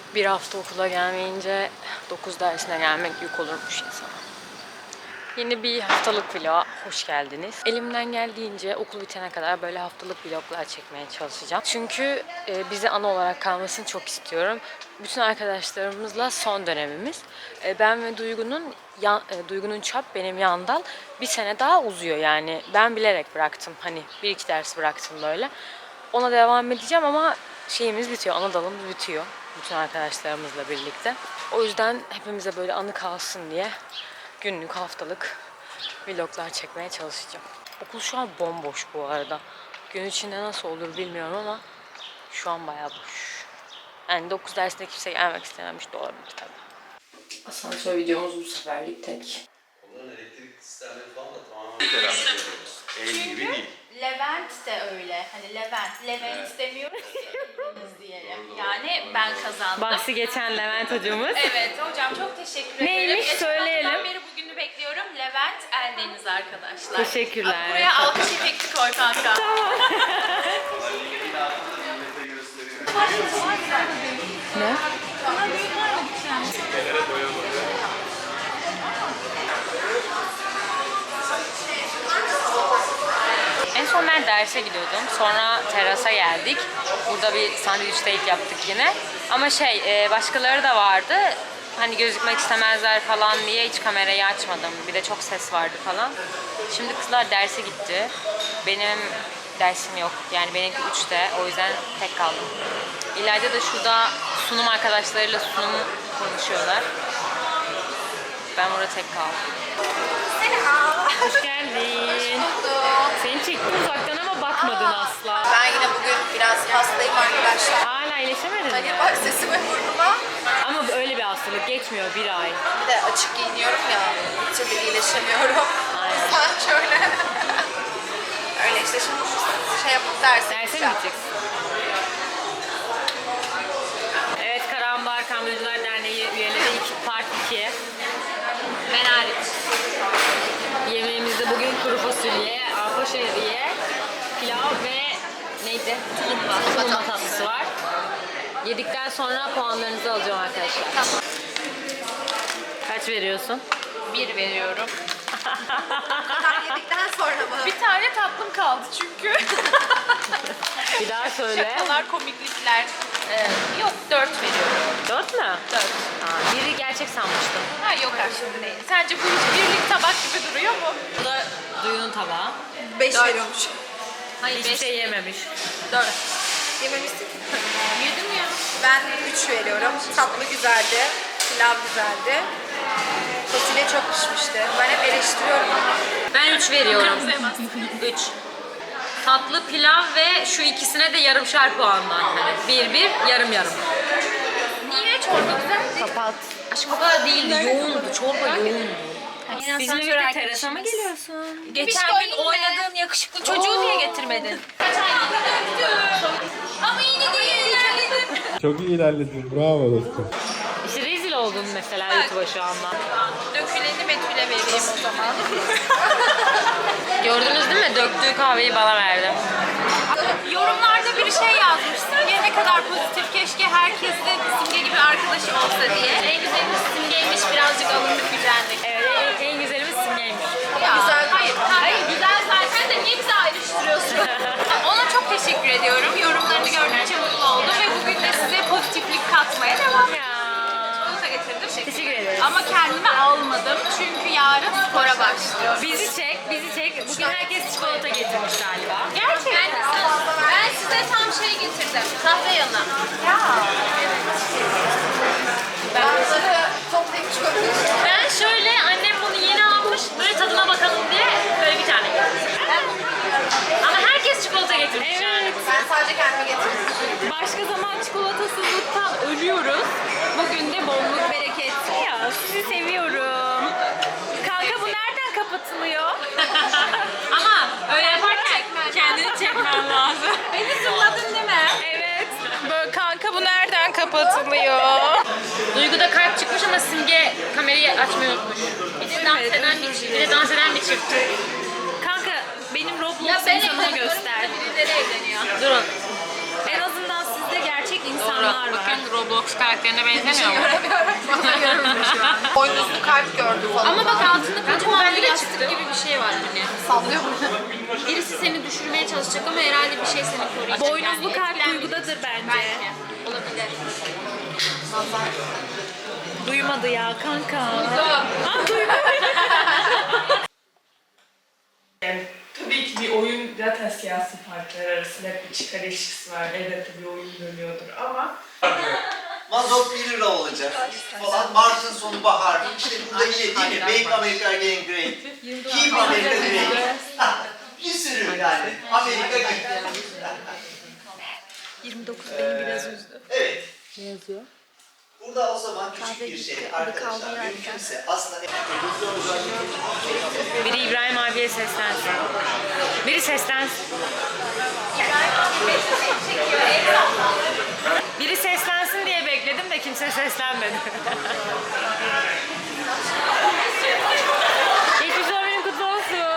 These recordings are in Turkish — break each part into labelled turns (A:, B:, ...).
A: Bir hafta okula gelmeyince 9 dersine gelmek yük olurmuş insana. Yeni bir haftalık vloga hoş geldiniz. Elimden geldiğince okul bitene kadar böyle haftalık vloglar çekmeye çalışacağım. Çünkü bize anı olarak kalmasını çok istiyorum. Bütün arkadaşlarımızla son dönemimiz. Ben ve Duygu'nun çap benim yandan bir sene daha uzuyor yani. Ben bilerek bıraktım. Hani 1-2 ders bıraktım böyle. Ona devam edeceğim ama şeyimiz bitiyor, ana dalımız bitiyor. Bütün arkadaşlarımızla birlikte. O yüzden hepimize böyle anı kalsın diye günlük, haftalık vloglar çekmeye çalışacağım. Okul şu an bomboş bu arada. Gün içinde nasıl olur bilmiyorum ama şu an bayağı boş. Yani 9 dersinde kimse gelmek istememiş de olabilir tabii. Asansör videomuz bu seferlik tek.
B: Onların elektrik sistemleri falan da tamamen bir tarafta. El gibi değil.
C: Levent de öyle. Hani Levent istemiyoruz diyelim. Yani ben kazandım.
A: Bahsi geçen Levent hocamız.
C: Evet hocam çok teşekkür ederim.
A: Neymiş söyleyelim.
C: Geçen beri bugünü bekliyorum. Levent Eldeniz arkadaşlar.
A: Teşekkürler.
C: Bak, buraya alkış efekti koy kanka.
A: Ne? En son ben derse gidiyordum. Sonra terasa geldik. Burada bir sandviç date yaptık yine. Ama başkaları da vardı. Hani gözükmek istemezler falan diye hiç kamerayı açmadım. Bir de çok ses vardı falan. Şimdi kızlar derse gitti. Benim dersim yok. Yani benimki 3'te. O yüzden tek kaldım. İleride de şurada sunum arkadaşlarıyla sunum konuşuyorlar. Ben burada tek kaldım. Hoş geldin. Seni çektim uzaktan ama bakmadın asla.
D: Ben yine bugün biraz hastayım arkadaşlar.
A: Hala iyileşemedin mi?
D: Hani bak sesime burnuma.
A: Ama öyle bir hastalık geçmiyor, bir ay.
D: Bir de açık giyiniyorum ya. Bir türlü iyileşemiyorum.
A: Aynen.
D: Sen şöyle. Öyle işte şimdi yapıp derse
A: Derse mi
D: gideceğim.
A: gideceksin? Evet, Karambar Kamyoncular Derneği üyeleri part 2.
C: Ben hariç.
A: Yemeğimizde bugün kuru fasulye, arpa şehriye, pilav ve neydi? Tulumba tatlısı var. Yedikten sonra puanlarınızı alacağım arkadaşlar.
C: Tamam.
A: Kaç veriyorsun?
C: 1 veriyorum.
D: Kadar yedikten sonra mı?
C: Bir tane tatlım kaldı çünkü.
A: Bir daha söyle.
C: Şakalar, komiklikler. Yok 4 veriyorum.
A: 4 mü?
C: 4.
A: Biri gerçek sanmıştım.
C: Ha yok aslında değil. Sence bu hiç birlik tabak gibi duruyor mu?
A: Bu da Duyu'nun tabağı.
D: 5 veriyormuş.
C: Hayır
A: Hiçbir şey yememiş.
C: 4.
D: Yememiştik.
C: Yedim ya.
D: Ben 3 veriyorum. Tatlı güzeldi. Pilav güzeldi. Fasulye çok pişmişti. Ben hep eleştiriyorum ama.
A: Ben 3 veriyorum. 3. Tatlı pilav ve şu ikisine de yarımşar puandan. Hani 1-1, yarım.
C: Niye çorba güzel?
A: Kapat. Aşkım o kadar değildi, yoğundu. Çorba yoğundu.
C: Bizimle
A: birlikte terasa mı geliyorsun?
C: Geçen gün oynadığın yakışıklı çocuğu niye getirmedin? Ama yine de ilerledin.
E: Çok iyi ilerledin. Bravo dostum.
A: İşte rezil oldun mesela YouTube'a şu anda.
C: Döküleni Betül'e vereyim o zaman.
A: Gördünüz değil mi? Döktüğü kahveyi bana verdi.
C: Yorumlarda bir şey yazmış. Simge ne kadar pozitif. Keşke herkes de Simge gibi arkadaşı olsa diye. En güzelimiz Simge'ymiş. Birazcık alındık gücendik.
A: Evet, en güzelimiz Simge'ymiş.
C: Ya, hayır güzel zaten de niye bizi ayrıştırıyorsun? Ona çok teşekkür ediyorum. Yorumlarını gördükçe mutlu oldum ve bugün de size pozitiflik katmaya devam ediyorum. Çikolata getirdim.
A: Teşekkür ederiz.
C: Ama kendime almadım çünkü yarın spora başlıyorum.
A: Bizi çek. Bugün herkes çikolata getirmiş galiba.
C: Gerçekten. Ben size tam şey getirdim. Kahve yanı.
D: Bazıları toplayıp çıkabilir.
A: Ben şöyle, annem bunu yeni almış, böyle tadına bakalım diye böyle bir tane getirdim. Ama herkes çikolata getirmiş yani.
D: Ben sadece kendime getirdim.
A: Başka zaman çikolatasızlıktan ölüyoruz. Bugün de bolluk bereket. Ya sizi seviyorum. Kanka bu nereden kapatılıyor? Ama öyle yaparken kendini çekmen lazım.
C: Beni zırladın değil mi?
A: Evet.
C: Böyle kanka bu nereden kapatılıyor?
A: Duygu'da kalp çıkmış ama Simge kamerayı açmayı unutmuş. Bir de dans eden bir çift. Kanka benim Roblox insanımı göster.
C: Birileri evleniyor.
A: Durun.
D: En azından siz de gerçek
C: insanlar var. Bakın Roblox karakterine benzemiyor mu?
D: Boynuzlu kalp gördü falan.
C: Ama bak altında kocaman bir yastık gibi bir şey var hani.
D: Sallıyor mu?
C: Birisi seni düşürmeye çalışacak ama herhalde bir şey seni koruyacak.
F: Boynuzlu kalp duygudadır bence.
C: Belki. Olabilir.
F: Duymadı ya kanka.
G: Yani tabii ki bir oyun zaten siyasi partiler arasında hep bir çıkar ilişkisi var. Elbette bir oyun dönüyordur ama
B: Mazot 1 lira olacak falan. Mart'ın sonu bahar. İşte burada yine değil mi? Make America Again Great. Keep America Great. Bir sürü yani. Amerika gitti.
F: 29 beni biraz üzdü.
B: Evet. Ne yazıyor? Burada o zaman küçük bir şey arkadaşlar. Mümkünse aslında...
A: Biri İbrahim abiye seslensin. Biri seslensin. Biri seslensin diye bekledim de kimse seslenmedi. Geçmiş doğum kutlu olsun.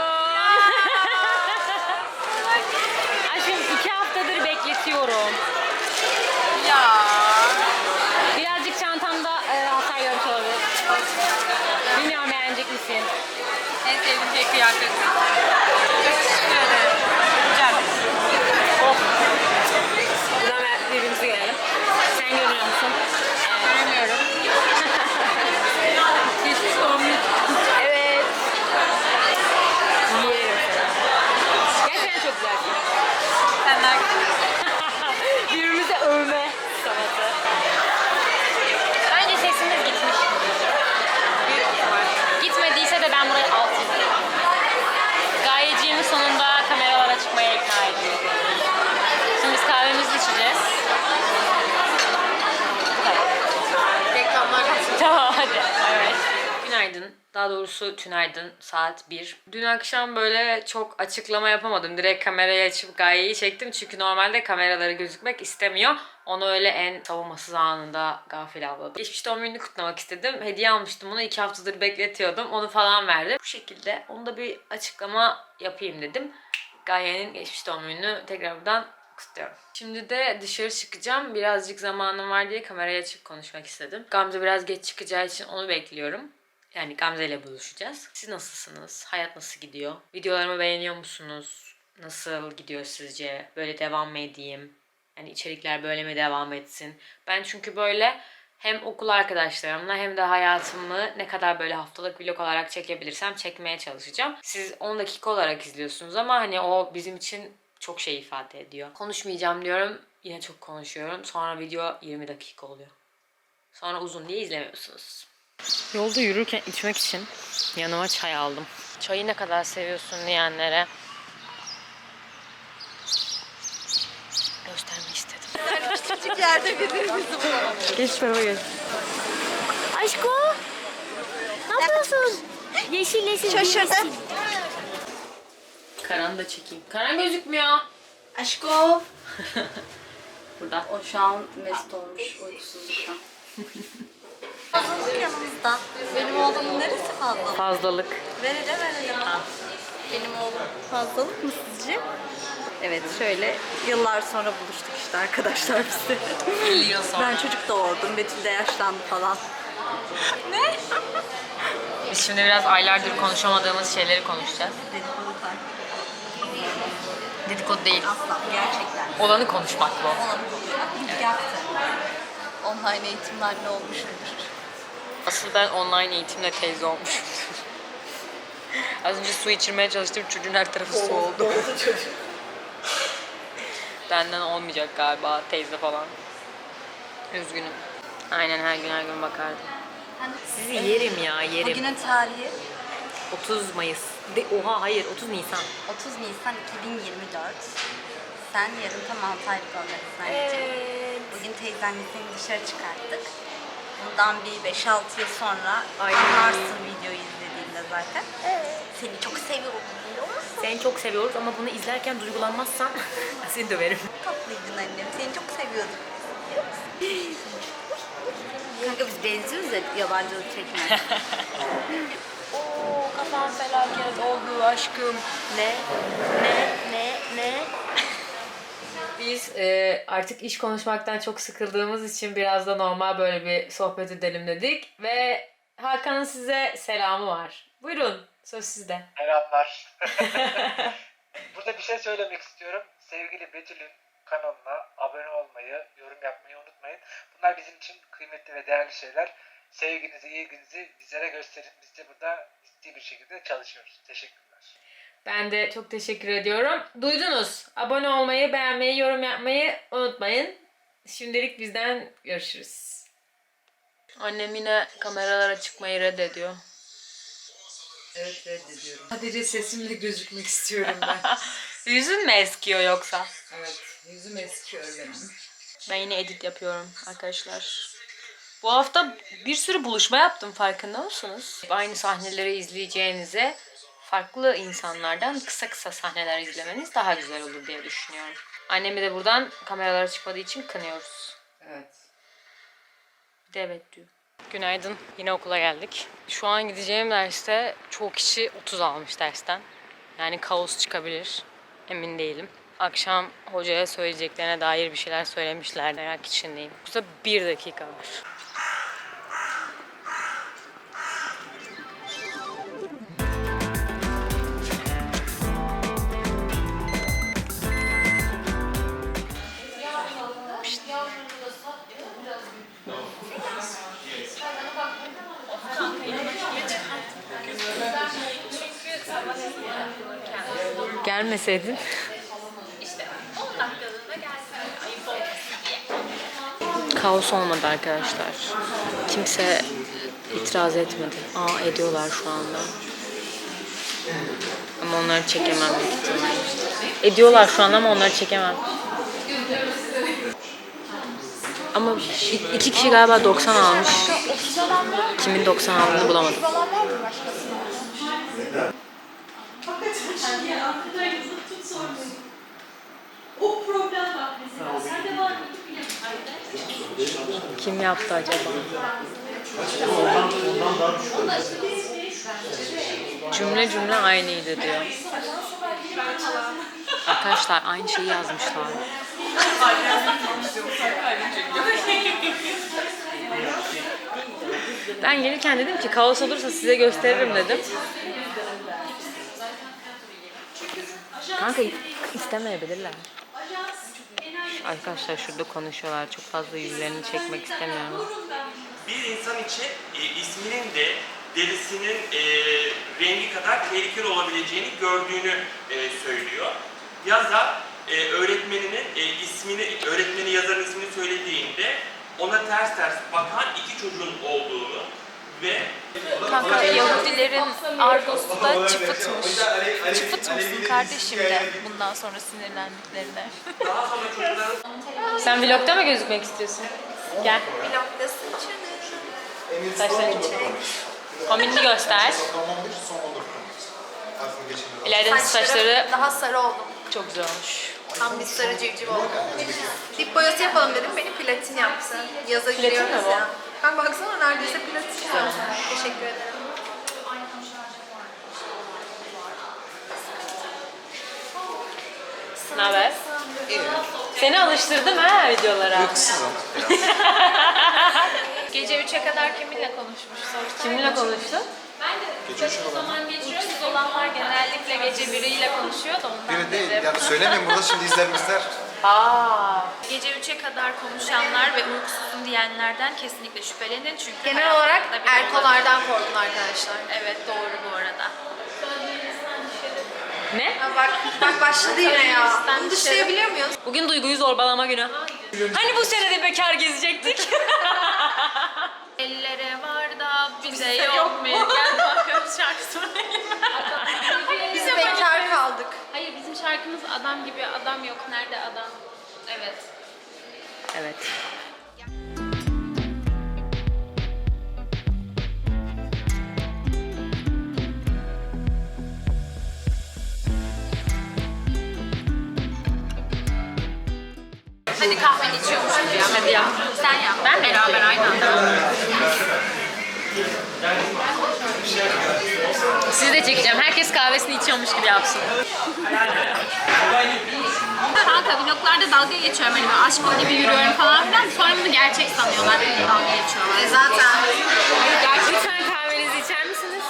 A: Aşkım 2 haftadır bekletiyorum.
C: Ya.
A: Birazcık çantamda hasar görmüş olabilir. Bilmiyorum beğenecek misin?
C: En sevdiğim şey kıyafet. Teşekkür ederim. Güzel.
A: Buradan birbirimizi görelim. Sen görüyor musun?
C: Göremiyorum. Geçmiş doğum günü.
A: Evet. Yerim seni. Gerçekten çok güzelsin.
C: Senden
A: Birbirimizi övme sanatı. Bence sesimiz gitmiş.
C: büyük ihtimal.
A: Gitmediyse de ben burayı altın. Gayeciğimi sonunda kameralara çıkmaya ikna ettim. Şimdi biz kahvemizi içeceğiz. Bu kadar.
C: Reklamlar yapsın.
A: Tamam hadi. Evet. Günaydın. Daha doğrusu tünaydın. Saat 1. Dün akşam böyle çok açıklama yapamadım. Direkt kamerayı açıp Gaye'yi çektim. Çünkü normalde kameraları gözükmek istemiyor. Onu öyle en savunmasız anında gafil avladım. Geçmiş doğum gününü kutlamak istedim. Hediye almıştım bunu. 2 haftadır bekletiyordum. Onu falan verdim. Bu şekilde onu da bir açıklama yapayım dedim. Gaye'nin geçmiş doğum gününü tekrardan kutluyorum. Şimdi de dışarı çıkacağım. Birazcık zamanım var diye kamerayı açıp konuşmak istedim. Gamze biraz geç çıkacağı için onu bekliyorum. Yani Gamze ile buluşacağız. Siz nasılsınız? Hayat nasıl gidiyor? Videolarımı beğeniyor musunuz? Nasıl gidiyor sizce? Böyle devam mı edeyim? Yani içerikler böyle mi devam etsin? Ben çünkü böyle hem okul arkadaşlarımla hem de hayatımı ne kadar böyle haftalık vlog olarak çekebilirsem çekmeye çalışacağım. Siz 10 dakika olarak izliyorsunuz ama hani o bizim için çok şey ifade ediyor. Konuşmayacağım diyorum. Yine çok konuşuyorum. Sonra video 20 dakika oluyor. Sonra uzun diye izlemiyorsunuz. Yolda yürürken içmek için yanıma çay aldım. Çayı ne kadar seviyorsun diyenlere göstermek istedim.
D: Küçük yerde birbirimizi bulalım.
A: Geç tarafa geç. Aşko! Ne yapıyorsun? Yeşil yeşil.
D: Şaşırdım.
A: Karan da çekeyim. Karan gözükmüyor.
D: Aşko.
A: Burada.
H: O şu an mest olmuş uykusuzluktan. Fazlalık yanımızda. Benim oğlumun neresi fazlalık?
A: Fazlalık.
H: Verelim. Benim oğlum fazlalık mı sizce? Evet şöyle yıllar sonra buluştuk işte arkadaşlar biz de.
A: 50 yıl sonra.
H: Ben çocuk doğurdum, Betül de yaşlandı falan.
A: Biz şimdi biraz aylardır konuşamadığımız şeyleri konuşacağız.
H: Dedikodu var.
A: Dedikodu değil.
H: Asla gerçekten.
A: Olanı konuşmak bu.
H: Olanı konuşmak. İlk yaptı. Online eğitimler ne olmuşumdur.
A: Asıl ben online eğitimle teyze olmuşum. Az önce su içirmeye çalıştım. Çocuğun her tarafı su oldu. Benden olmayacak galiba teyze falan. Üzgünüm. Aynen her gün bakardım. Sizi yerim ya yerim.
H: Bugünün tarihi
A: 30 Mayıs. Oha hayır 30 Nisan.
H: 30 Nisan 2024. Sen yarın tam 6 aylık olacaksın anneciğim. Bugün teyzenle seni dışarı çıkarttık. Bundan bir 5-6 yıl sonra anlarsın videoyu izlediğinde zaten. Seni çok seviyorum biliyor musun?
A: Seni çok seviyoruz ama bunu izlerken duygulanmazsan seni döverim.
H: Tatlıydın annem. Seni çok seviyordum. Kanka biz benziyoruz ya yabancılık çekmez.
A: Oo kafam felaket oldu aşkım. Ne? Biz artık iş konuşmaktan çok sıkıldığımız için biraz da normal böyle bir sohbet edelim dedik. Ve Hakan'ın size selamı var. Buyurun, söz sizde.
I: Selamlar. Burada bir şey söylemek istiyorum. Sevgili Betül'ün kanalına abone olmayı, yorum yapmayı unutmayın. Bunlar bizim için kıymetli ve değerli şeyler. Sevginizi, ilginizi bizlere gösterin. Biz de burada ciddi bir şekilde çalışıyoruz. Teşekkürler.
A: Ben de çok teşekkür ediyorum. Duydunuz. Abone olmayı, beğenmeyi, yorum yapmayı unutmayın. Şimdilik bizden görüşürüz. Annem yine kameralara çıkmayı reddediyor.
D: Evet reddediyorum. Sadece sesimle gözükmek istiyorum ben.
A: Yüzün mü eskiyor yoksa?
D: Evet yüzüm eskiyor benim.
A: Ben yine edit yapıyorum arkadaşlar. Bu hafta bir sürü buluşma yaptım, farkında mısınız? Aynı sahneleri izleyeceğinize farklı insanlardan kısa kısa sahneler izlemeniz daha güzel olur diye düşünüyorum. Annemi de buradan kameralara çıkmadığı için kınıyoruz.
D: Evet.
A: Bir de evet diyor. Günaydın. Yine okula geldik. Şu an gideceğim derste çoğu kişi 30 almış dersten. Yani kaos çıkabilir. Emin değilim. Akşam hocaya söyleyeceklerine dair bir şeyler söylemişler. Merak içindeyim. Burada 1 dakika var. Gelmeseydin.
C: İşte 10 dakikalığına gelsin. Ayıp olmasın diye.
A: Kaos olmadı arkadaşlar. Kimse itiraz etmedi. Ediyorlar şu anda. Ama onları çekemem büyük ihtimalle. Ediyorlar şu an ama onları çekemem. Ama 2 kişi galiba 90 almış. Kimin 90 aldığını bulamadım. Kim yaptı acaba? Cümle cümle aynıydı diyor. Arkadaşlar aynı şeyi yazmışlar. Ben gelirken dedim ki kaos olursa size gösteririm dedim. Kanka istemeyebilirler. Arkadaşlar şurada konuşuyorlar. Çok fazla yüzlerini çekmek istemiyorum.
J: Bir insan için isminin de derisinin rengi kadar tehlikeli olabileceğini gördüğünü söylüyor. Yazar öğretmeninin öğretmeni yazarın ismini söylediğinde ona ters bakan 2 çocuğun olduğunu ve
C: Kanka Yahudilerin argosu da çıfıtmış. Çıfıt mısın kardeşim de bundan sonra sinirlendiklerine.
J: daha sonra çocukların
A: Sen vlogda mı gözükmek istiyorsun? Gel.
C: Vlogda sıçradım.
A: Saçlarını çek. Kombinini göster. İleride saçları
D: Daha sarı oldum.
A: çok güzel olmuş.
D: Tam bir sarı civciv oldum. Dip boyası yapalım dedim. Beni platin yaptı. Yaza
A: Platin mi
D: giriyoruz
A: bu?
D: ya. Ben baksana neredeyse platin zaten. Teşekkür ederim.
A: Ne haber? Seni alıştırdım ha videolara.
C: Gece 3'e kadar kiminle konuşmuş sorsana.
A: Kiminle konuştun?
C: Ben de çok zaman geçiriyorum. Siz olanlar genellikle gece biriyle konuşuyor da ondan
K: Biri değil.
C: dedim.
K: Yani söylemeyin burada şimdi izler.
C: Gece 3'e kadar konuşanlar ve uykusuzum diyenlerden kesinlikle şüphelenin çünkü
D: Genel olarak
C: hayatında biri
D: erkolardan
C: olabilir.
D: korkun arkadaşlar.
C: Evet doğru bu arada.
A: Ne?
D: Ha, bak başladı yine ya. Bunu dışlayabiliyor muyuz?
A: Bugün Duygu'yu zorbalama günü. Hani bu sene de bekar gezecektik?
C: Ellere var da bize yok mu? Gel bakalım şarkı söyleyelim.
D: Biz bekar kaldık.
C: Hayır bizim şarkımız adam gibi adam yok. Nerede adam? Evet.
A: Evet.
C: Hadi kahveni içiyormuşum ya. Hadi yap. Sen yap. Ben beraber aynı anda.
A: Sizi de çekeceğim. Herkes kahvesini içiyormuş gibi yapsın.
C: Kanka vloglarda dalga geçiyorum hani ben aşkım gibi yürüyorum falan filan. Sonra bunu gerçek sanıyorlar. Benimle dalga geçiyorlar.
H: Zaten.
A: Lütfen kahvenizi içer misiniz?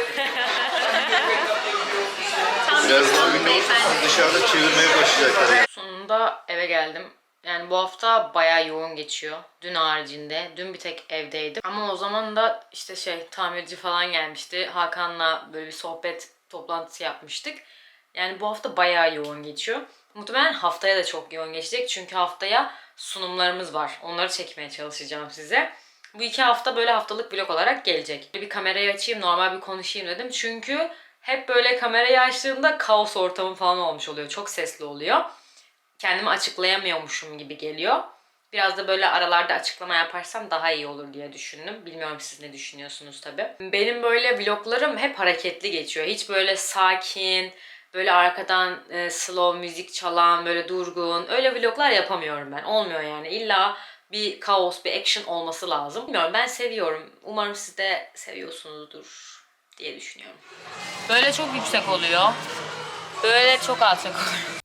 C: Tam bir İstanbul beyefendi.
K: Dışarıda çevirmeye başlayacaklar.
A: Sonunda eve geldim. Yani bu hafta bayağı yoğun geçiyor. Dün haricinde. Dün bir tek evdeydim. Ama o zaman da işte tamirci falan gelmişti. Hakan'la böyle bir sohbet toplantısı yapmıştık. Yani bu hafta bayağı yoğun geçiyor. Muhtemelen haftaya da çok yoğun geçecek. Çünkü haftaya sunumlarımız var. Onları çekmeye çalışacağım size. Bu 2 hafta böyle haftalık vlog olarak gelecek. Bir kamerayı açayım, normal bir konuşayım dedim. Çünkü hep böyle kamerayı açtığımda kaos ortamı falan olmuş oluyor. Çok sesli oluyor. Kendimi açıklayamıyormuşum gibi geliyor. Biraz da böyle aralarda açıklama yaparsam daha iyi olur diye düşündüm. Bilmiyorum siz ne düşünüyorsunuz tabii. Benim böyle vloglarım hep hareketli geçiyor. Hiç böyle sakin, böyle arkadan slow müzik çalan, böyle durgun, öyle vloglar yapamıyorum ben. Olmuyor yani. İlla bir kaos, bir action olması lazım. Bilmiyorum, ben seviyorum. Umarım siz de seviyorsunuzdur diye düşünüyorum. Böyle çok yüksek oluyor. Böyle çok alçak oluyor.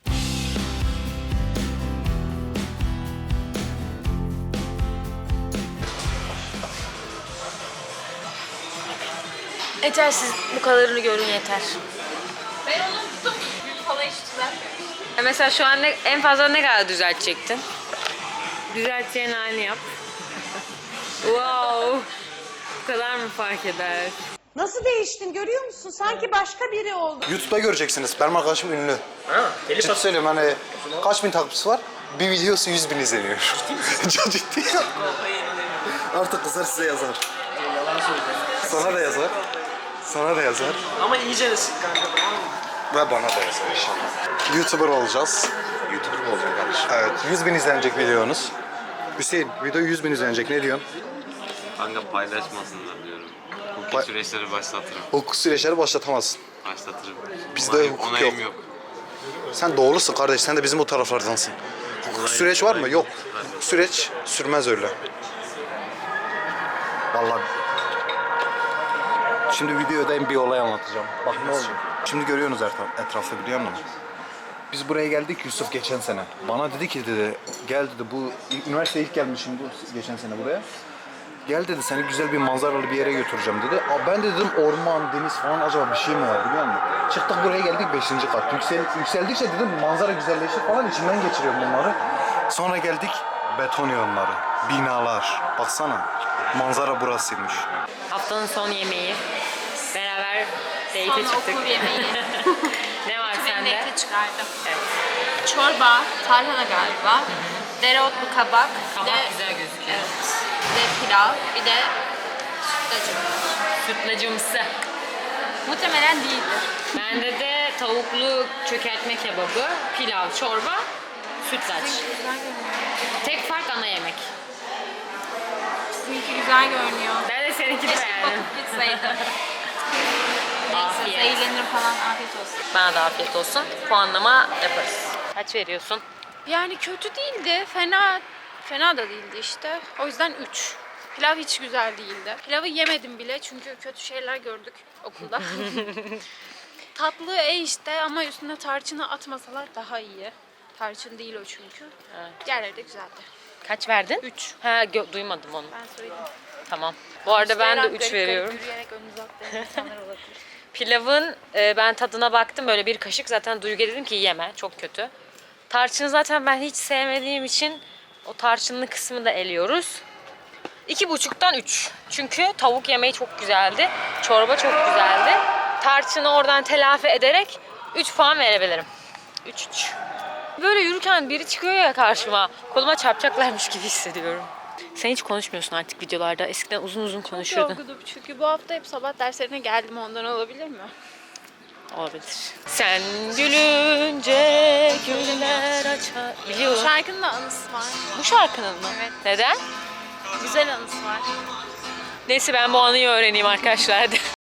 A: Yeter, siz bu kadarını görün yeter.
C: Ben onu tuttum. Gün falan hiç düzeltmemiş.
A: Mesela şu an en fazla ne kadar düzeltecektin? Düzelteceğin halini yap. Wow. Bu kadar mı fark eder?
L: Nasıl değiştin görüyor musun? Sanki başka biri oldu.
K: YouTube'da göreceksiniz. Benim arkadaşım ünlü.
J: Ha,
K: Ciddi söylüyorum hani kaç bin takipçisi var? Bir videosu 100 bin izleniyor. Çok ciddi. Artık kızlar size yazar.
J: Yalan söyleyeceğim.
K: Sana da yazar. Sana da yazar.
J: Ama iyice ısık kanka, tamam mı?
K: Ve bana da yazar inşallah. YouTuber olacağız. YouTuber mı olacaksın kardeşim? Evet. 100 bin izlenecek videonuz. Hüseyin, video 100 bin izlenecek. Ne diyorsun?
M: Kanka paylaşmasınlar diyorum. Hukuki süreçleri başlatırım.
K: Hukuk süreçleri başlatamazsın.
M: Başlatırım.
K: Bizde hukuk
M: onayım
K: yok. Sen doğrusun kardeş. Sen de bizim bu taraflardansın. Hukuk süreç var mı? Yok. Hukuk süreç sürmez öyle. Vallahi. Şimdi videoda bir olay anlatacağım. Bak ne oldu? Şimdi görüyorsunuz etrafta, biliyor musun? Biz buraya geldik Yusuf geçen sene. Bana dedi ki gel dedi, bu üniversiteye ilk gelmişim bu geçen sene buraya. Gel dedi, seni güzel bir manzaralı bir yere götüreceğim dedi. Ben de dedim orman, deniz falan, acaba bir şey mi var biliyor musun? Çıktık buraya geldik 5. kat. Yükseldikçe dedim manzara güzelleşti falan, içimden geçiriyorum bunları. Sonra geldik beton yolları, binalar. Baksana manzara burasıymış.
A: Haftanın son yemeği. Beraber date'e
C: Son
A: çıktık.
C: okul yemeği.
A: Ne var
C: Ben
A: sende?
C: date'e çıkardım.
A: Evet.
C: Çorba, tarhana galiba. Dereotlu kabak.
A: Kabak
C: bir de,
A: güzel gözüküyor.
C: evet. Bir de pilav, bir de sütlacım.
A: Sütlacımsı.
C: Muhtemelen değildir.
A: Bende de tavuklu çökertme kebabı, pilav, çorba, sütlaç. Tek fark ana yemek.
C: Sizinki güzel görünüyor.
A: Ben de seninkini
C: Keşke
A: beğendim.
C: bakıp gitseydim. Neyse,
A: Afiyet.
C: zehirlenirim falan, afiyet olsun.
A: Bana da afiyet olsun. Puanlama yaparız. Kaç veriyorsun?
D: Yani kötü değildi, fena da değildi işte. O yüzden 3. Pilav hiç güzel değildi. Pilavı yemedim bile çünkü kötü şeyler gördük okulda. Tatlı işte ama üstüne tarçını atmasalar daha iyi. Tarçın değil o çünkü.
A: Evet.
D: Diğerleri de güzeldi.
A: Kaç verdin?
D: 3.
A: Ha, duymadım onu.
D: Ben söyledim.
A: Tamam. Bu arada ben de
D: Garip
A: 3
D: garip
A: veriyorum.
D: Yürüyerek önünüze atlayan insanlar olabilir.
A: Pilavın ben tadına baktım, böyle bir kaşık, zaten Duygu'ya dedim ki yeme, çok kötü. Tarçını zaten ben hiç sevmediğim için o tarçınlı kısmı da eliyoruz. 2,5'tan 3. Çünkü tavuk yemeği çok güzeldi. Çorba çok güzeldi. Tarçını oradan telafi ederek 3 puan verebilirim. 3. Böyle yürürken biri çıkıyor ya karşıma. Koluma çarpacaklarmış gibi hissediyorum. Sen hiç konuşmuyorsun artık videolarda. Eskiden uzun uzun konuşuyordun.
D: Yorgunum çünkü bu hafta hep sabah derslerine geldim, ondan olabilir mi?
A: Olabilir. Sen gülünce güller açar. Biliyorum.
D: Şarkının da anısı var.
A: Bu şarkının mı?
D: Evet.
A: Neden?
D: Güzel anısı var.
A: Neyse ben bu anıyı öğreneyim arkadaşlar.